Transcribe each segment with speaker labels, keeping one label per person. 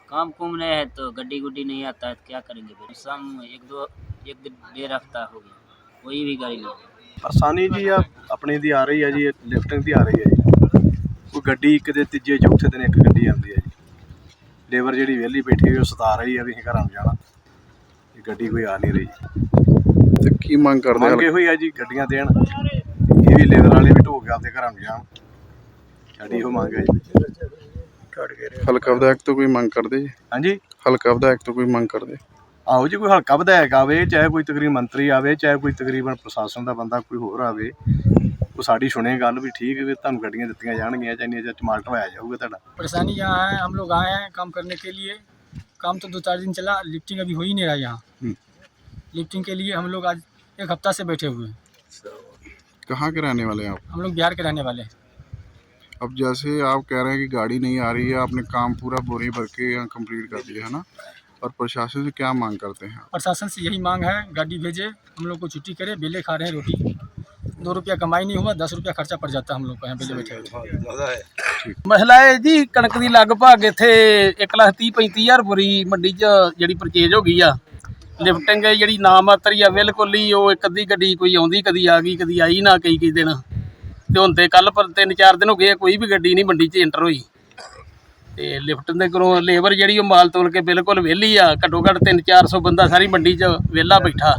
Speaker 1: काम कुम नहीं है तो गड्डी गुड्डी नहीं आता है तो क्या करेंगे फिर शाम एक डेढ़ हफ्ता हो गया कोई भी गाड़ी नहीं
Speaker 2: ਆਸਾਨੀ ਜੀ ਆ ਆਪਣੀ ਦੀ ਆ ਰਹੀ ਹੈ ਜੀ, ਲਿਫਟਿੰਗ ਦੀ ਆ ਰਹੀ ਹੈ ਜੀ। ਕੋਈ ਗੱਡੀ ਕਿਤੇ ਤੀਜੇ ਚੌਥੇ ਦਿਨ ਇੱਕ ਗੱਡੀ ਆਉਂਦੀ ਹੈ ਜੀ। ਲੇਬਰ ਜਿਹੜੀ ਵਿਹਲੀ ਬੈਠੀ ਹੋਈ ਉਹ ਸਤਾ ਰਹੀ ਹੈ ਵੀ ਅਸੀਂ ਘਰਾਂ ਨੂੰ ਜਾਣਾ, ਇਹ ਗੱਡੀ ਕੋਈ ਆ ਨਹੀਂ ਰਹੀ।
Speaker 3: ਤੇ ਕੀ ਮੰਗ ਕਰਦੇ
Speaker 2: ਮੰਗੇ ਹੋਈ ਹੈ ਜੀ ਗੱਡੀਆਂ ਦੇਣ, ਇਹ ਵੀ ਲੇਬਰ ਵਾਲੇ ਵੀ ਢੋ ਕੇ ਆਪਦੇ ਘਰਾਂ ਨੂੰ ਜਾਣ, ਸਾਡੀ ਇਹੋ ਮੰਗ ਹੈ ਜੀ।
Speaker 3: ਹਲਕਾ ਵਿਧਾਇਕ ਤੋਂ ਕੋਈ ਮੰਗ ਕਰਦੇ ਜੀ?
Speaker 2: ਹਾਂਜੀ,
Speaker 3: ਹਲਕਾ ਵਿਧਾਇਕ ਤੋਂ ਕੋਈ ਮੰਗ ਕਰਦੇ?
Speaker 2: ਆਹੋ ਜੀ, ਕੋਈ ਹਲਕਾ ਵਿਧਾਇਕ ਆਵੇ, ਚਾਹੇ ਕੋਈ ਤਕਰੀਬਨ ਮੰਤਰੀ ਆਵੇ, ਚਾਹੇ ਕੋਈ ਤਕਰੀਬਨ ਪ੍ਰਸ਼ਾਸਨ ਦਾ ਬੰਦਾ ਕੋਈ ਹੋਰ ਆਵੇ, ਉਹ ਸਾਡੀ ਸੁਣੇ ਗੱਲ ਵੀ ठीक है, ਤੁਹਾਨੂੰ ਗੱਡੀਆਂ ਦਿੱਤੀਆਂ ਜਾਣਗੀਆਂ, ਚਾਹੇ ਜਾਂ ਟਮਾਟਰ ਢਵਾਇਆ ਜਾਊਗਾ ਤੁਹਾਡਾ।
Speaker 4: परेशानी यहाँ है, हम लोग आए हैं काम करने के लिए। काम तो 2-4 दिन चला, लिफ्टिंग अभी हो ही नहीं रहा यहाँ। लिफ्टिंग के लिए हम लोग आज 1 हफ्ता से बैठे हुए हैं।
Speaker 3: कहाँ के रहने वाले हैं आप?
Speaker 4: हम लोग बिहार के रहने वाले हैं।
Speaker 3: अब जैसे आप कह रहे हैं कि गाड़ी नहीं आ रही है, आपने काम पूरा बोरी भर के यहाँ कंप्लीट कर दिया है ना, और प्रशासन से क्या मांग करते हैं?
Speaker 4: प्रशासन से यही मांग है, गाड़ी भेजे, हम लोग को छुट्टी करे। बेले खा रहे हैं रोटी, 2 रुपया कमाई नहीं हुआ, 10 रुपया खर्चा पड़ जाता है हम लोग को यहाँ बेले बैठे।
Speaker 5: ਮਸਲਾ ਹੈ ਜੀ, ਕਣਕ ਦੀ ਲਗਭਗ ਇੱਥੇ 1,30,35,000 ਬੋਰੀ ਮੰਡੀ 'ਚ ਜਿਹੜੀ ਪਰਚੇਜ ਹੋ ਗਈ ਆ। ਲਿਫਟਿੰਗ ਜਿਹੜੀ ਨਾ ਮਾਤਰ ਆ ਬਿਲਕੁਲ ਹੀ, ਉਹ ਇੱਕ ਅੱਧੀ ਗੱਡੀ ਕੋਈ ਆਉਂਦੀ, ਕਦੀ ਆ ਗਈ ਕਦੀ ਆਈ ਨਾ, ਕਈ ਦਿਨ। ਤੇ ਹੁਣ ਤੇ ਕੱਲ ਪਰ 3-4 ਦਿਨ ਹੋ ਗਏ ਕੋਈ ਵੀ ਗੱਡੀ ਨਹੀਂ ਮੰਡੀ 'ਚ ਐਂਟਰ ਹੋਈ। ਤੇ ਲਿਫਟ ਦੇ ਕੋਲੋਂ ਲੇਬਰ ਜਿਹੜੀ ਉਹ ਮਾਲ ਤੋਲ ਕੇ ਬਿਲਕੁਲ ਵਿਹਲੀ ਆ। ਘੱਟੋ ਘੱਟ 300-400 ਬੰਦਾ ਸਾਰੀ ਮੰਡੀ 'ਚ ਵਿਹਲਾ ਬੈਠਾ।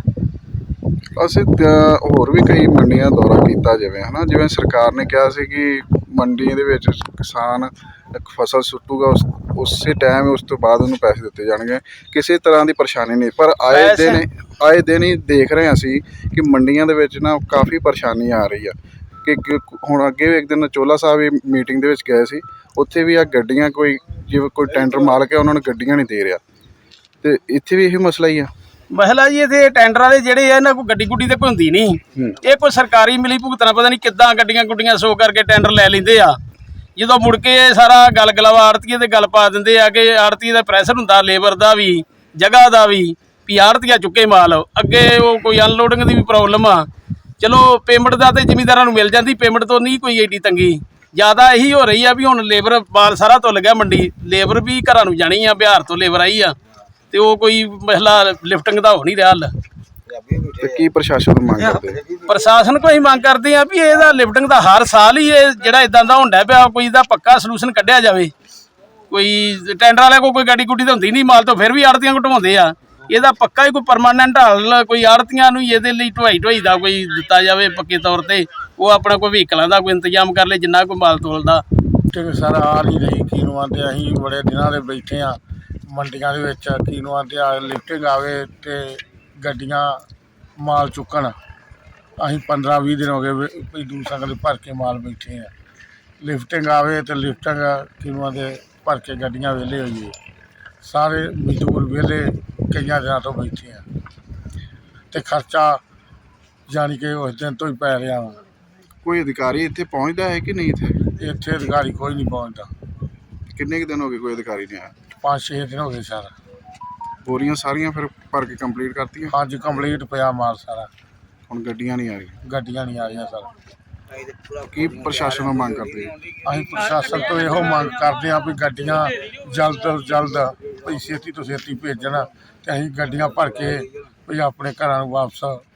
Speaker 3: ਅਸੀਂ ਹੋਰ ਵੀ ਕਈ ਮੰਡੀਆਂ ਦੌਰਾ ਕੀਤਾ, ਜਿਵੇਂ ਸਰਕਾਰ ਨੇ ਕਿਹਾ ਸੀ ਕਿ ਮੰਡੀ ਦੇ ਵਿੱਚ ਕਿਸਾਨ ਇੱਕ ਫਸਲ ਸੁੱਟੂਗਾ, ਉਸੇ ਟਾਈਮ ਉਸ ਤੋਂ ਬਾਅਦ ਉਹਨੂੰ ਪੈਸੇ ਦਿੱਤੇ ਜਾਣਗੇ, ਕਿਸੇ ਤਰ੍ਹਾਂ ਦੀ ਪਰੇਸ਼ਾਨੀ ਨਹੀਂ। ਪਰ ਆਏ ਦਿਨ ਹੀ ਦੇਖ ਰਹੇ ਹਾਂ ਅਸੀਂ ਕਿ ਮੰਡੀਆਂ ਦੇ ਵਿੱਚ ਨਾ ਕਾਫੀ ਪਰੇਸ਼ਾਨੀ ਆ ਰਹੀ ਆ। ਕਿ ਹੁਣ ਅੱਗੇ ਵੀ ਇੱਕ ਦਿਨ ਚੋਲਾ ਸਾਹਿਬ ਵੀ ਮੀਟਿੰਗ ਦੇ ਵਿੱਚ ਗਏ ਸੀ, ਉੱਥੇ ਵੀ ਆ ਗੱਡੀਆਂ ਕੋਈ ਜਿਵੇਂ ਕੋਈ ਟੈਂਡਰ ਮਾਲਕ ਹੈ ਉਹਨਾਂ ਨੂੰ ਗੱਡੀਆਂ ਨਹੀਂ ਦੇ ਰਿਹਾ, ਤੇ ਇੱਥੇ ਵੀ ਇਹੀ ਮਸਲਾ ਹੀ ਆ।
Speaker 5: ਮਸਲਾ ਜੀ ਇੱਥੇ ਟੈਂਡਰ ਵਾਲੇ ਜਿਹੜੇ ਆ, ਇਹਨਾਂ ਕੋਈ ਗੱਡੀ ਗੁੱਡੀ ਤੇ ਕੋਈ ਹੁੰਦੀ ਨਹੀਂ। ਇਹ ਕੋਈ ਸਰਕਾਰੀ ਮਿਲੀ ਭੁਗਤਣਾ, ਪਤਾ ਨਹੀਂ ਕਿੱਦਾਂ ਗੱਡੀਆਂ ਗੁੱਡੀਆਂ ਸੋ ਕਰਕੇ ਟੈਂਡਰ ਲੈ ਲੈਂਦੇ ਆ। ਜਦੋਂ ਮੁੜ ਕੇ ਸਾਰਾ ਗਲਗਲਾਵਾ ਆੜਤੀਏ ਤੇ ਗੱਲ ਪਾ ਦਿੰਦੇ ਆ ਕਿ ਆੜਤੀਏ ਦਾ ਪ੍ਰੈਸ਼ਰ ਹੁੰਦਾ, ਲੇਬਰ ਦਾ ਵੀ, ਜਗ੍ਹਾ ਦਾ ਵੀ ਆੜਤੀਆ ਚੁੱਕੇ ਮਾਲ। ਅੱਗੇ ਉਹ ਕੋਈ ਅਨਲੋਡਿੰਗ ਦੀ ਵੀ ਪ੍ਰੋਬਲਮ ਆ। ਚਲੋ ਪੇਮੈਂਟ ਦਾ ਤੇ ਜ਼ਿਮੀਂਦਾਰਾਂ ਨੂੰ ਮਿਲ ਜਾਂਦੀ, ਪੇਮੈਂਟ ਤੋਂ ਨਹੀਂ ਕੋਈ ਐਡੀ ਤੰਗੀ। ਜ਼ਿਆਦਾ ਇਹੀ ਹੋ ਰਹੀ ਆ ਵੀ ਹੁਣ ਲੇਬਰ ਮਾਲ ਸਾਰਾ ਤੁੱਲ ਗਿਆ ਮੰਡੀ, ਲੇਬਰ ਵੀ ਘਰਾਂ ਨੂੰ ਜਾਣੀ ਆ, ਬਿਹਾਰ ਤੋਂ ਲੇਬਰ ਆਈ ਆ, ਤੇ ਉਹ ਕੋਈ ਮਸਲਾ ਲਿਫਟਿੰਗ ਦਾ ਹੋ ਨਹੀਂ ਰਿਹਾ ਹੱਲ।
Speaker 3: ਤੇ ਕੀ ਪ੍ਰਸ਼ਾਸਨ ਨੂੰ ਮੰਗ ਕਰਦੇ?
Speaker 5: ਪ੍ਰਸ਼ਾਸਨ ਕੋਈ ਮੰਗ ਕਰਦੇ ਆ ਵੀ ਇਹਦਾ ਲਿਫਟਿੰਗ ਦਾ ਹਰ ਸਾਲ ਹੀ ਇਹ ਜਿਹੜਾ ਇਦਾਂ ਦਾ ਹੁੰਦਾ ਪਿਆ, ਕੋਈ ਇਹਦਾ ਪੱਕਾ ਸਲੂਸ਼ਨ ਕੱਢਿਆ ਜਾਵੇ। ਕੋਈ ਟੈਂਡਰ ਵਾਲੇ ਕੋਈ ਗੱਡੀ ਗੁੱਡੀ ਤਾਂ ਹੁੰਦੀ ਨਹੀਂ, ਮਾਲ ਤੋਂ ਫਿਰ ਵੀ ਆੜਤੀਆਂ ਘਟਵਾਉਂਦੇ ਆ। ਇਹਦਾ ਪੱਕਾ ਹੀ ਕੋਈ ਪਰਮਾਨੈਂਟ ਹੱਲ, ਕੋਈ ਆੜਤੀਆਂ ਨੂੰ ਇਹਦੇ ਲਈ ਢਵਾਈ ਦਾ ਕੋਈ ਦਿੱਤਾ ਜਾਵੇ ਪੱਕੇ ਤੌਰ ਤੇ। ਉਹ ਆਪਣਾ ਕੋਈ ਵਹੀਕਲਾਂ ਦਾ ਕੋਈ ਇੰਤਜ਼ਾਮ ਕਰ ਲੇ ਜਿੰਨਾ ਕੋਈ ਮਾਲ ਤੋਲਦਾ।
Speaker 6: ਸਰ ਆ ਨਹੀਂ ਰਹੀ, ਕੀਨੂਆਂ ਤੇ ਅਸੀਂ ਬੜੇ ਦਿਨਾਂ ਦੇ ਬੈਠੇ ਆ ਮੰਡੀਆਂ ਦੇ ਵਿੱਚ। ਕੀਨੂਆਂ ਤੇ ਲਿਫਟਿੰਗ ਆਵੇ ਤੇ ਗੱਡੀਆਂ ਮਾਲ ਚੁੱਕਣ। ਅਸੀਂ 15-20 ਦਿਨ ਹੋ ਗਏ ਪੀਡੂ ਸੰਗਲ ਭਰ ਕੇ ਮਾਲ ਬੈਠੇ ਆ। ਲਿਫਟਿੰਗ ਆਵੇ ਤੇ ਲਿਫਟਿੰਗ ਕੀਨੂਆਂ ਦੇ ਭਰ ਕੇ ਗੱਡੀਆਂ ਵਿਹਲੇ ਹੋਈਏ। ਸਾਰੇ ਮਜ਼ਦੂਰ ਵਿਹਲੇ ਕਈਆਂ ਦਿਨਾਂ ਤੋਂ ਬੈਠੇ ਆ, ਤੇ ਖਰਚਾ ਜਾਣੀ ਕਿ ਉਸ ਦਿਨ ਤੋਂ ਹੀ ਪੈ ਰਿਹਾ ਵਾ।
Speaker 3: ਕੋਈ ਅਧਿਕਾਰੀ ਇੱਥੇ ਪਹੁੰਚਦਾ ਹੈ ਕਿ ਨਹੀਂ?
Speaker 6: ਇੱਥੇ ਅਧਿਕਾਰੀ ਕੋਈ ਨਹੀਂ ਪਹੁੰਚਦਾ।
Speaker 3: ਕਿੰਨੇ ਕੁ ਦਿਨ ਹੋ ਗਏ ਕੋਈ ਅਧਿਕਾਰੀ ਨਹੀਂ ਆਇਆ?
Speaker 6: 5-6 ਦਿਨ ਹੋ ਗਏ ਸਰ।
Speaker 3: ਬੋਰੀਆਂ ਸਾਰੀਆਂ ਫਿਰ ਭਰ ਕੇ ਕੰਪਲੀਟ ਕਰਤੀਆਂ?
Speaker 6: ਅੱਜ ਕੰਪਲੀਟ ਪਿਆ ਮਾਲ ਸਾਰਾ।
Speaker 3: ਹੁਣ ਗੱਡੀਆਂ ਨਹੀਂ ਆ ਰਹੀਆਂ?
Speaker 6: ਗੱਡੀਆਂ ਨਹੀਂ ਆ ਰਹੀਆਂ ਸਰ।
Speaker 3: ਕੀ ਪ੍ਰਸ਼ਾਸਨ ਨੂੰ ਮੰਗ ਕਰਦੇ?
Speaker 6: ਅਸੀਂ ਪ੍ਰਸ਼ਾਸਨ ਤੋਂ ਇਹੋ ਮੰਗ ਕਰਦੇ ਹਾਂ ਵੀ ਗੱਡੀਆਂ ਜਲਦ ਤੋਂ ਜਲਦ ਵੀ ਛੇਤੀ ਤੋਂ ਛੇਤੀ ਭੇਜਣ, ਤੇ ਅਸੀਂ ਗੱਡੀਆਂ ਭਰ ਕੇ ਵੀ ਆਪਣੇ ਘਰਾਂ ਨੂੰ ਵਾਪਸ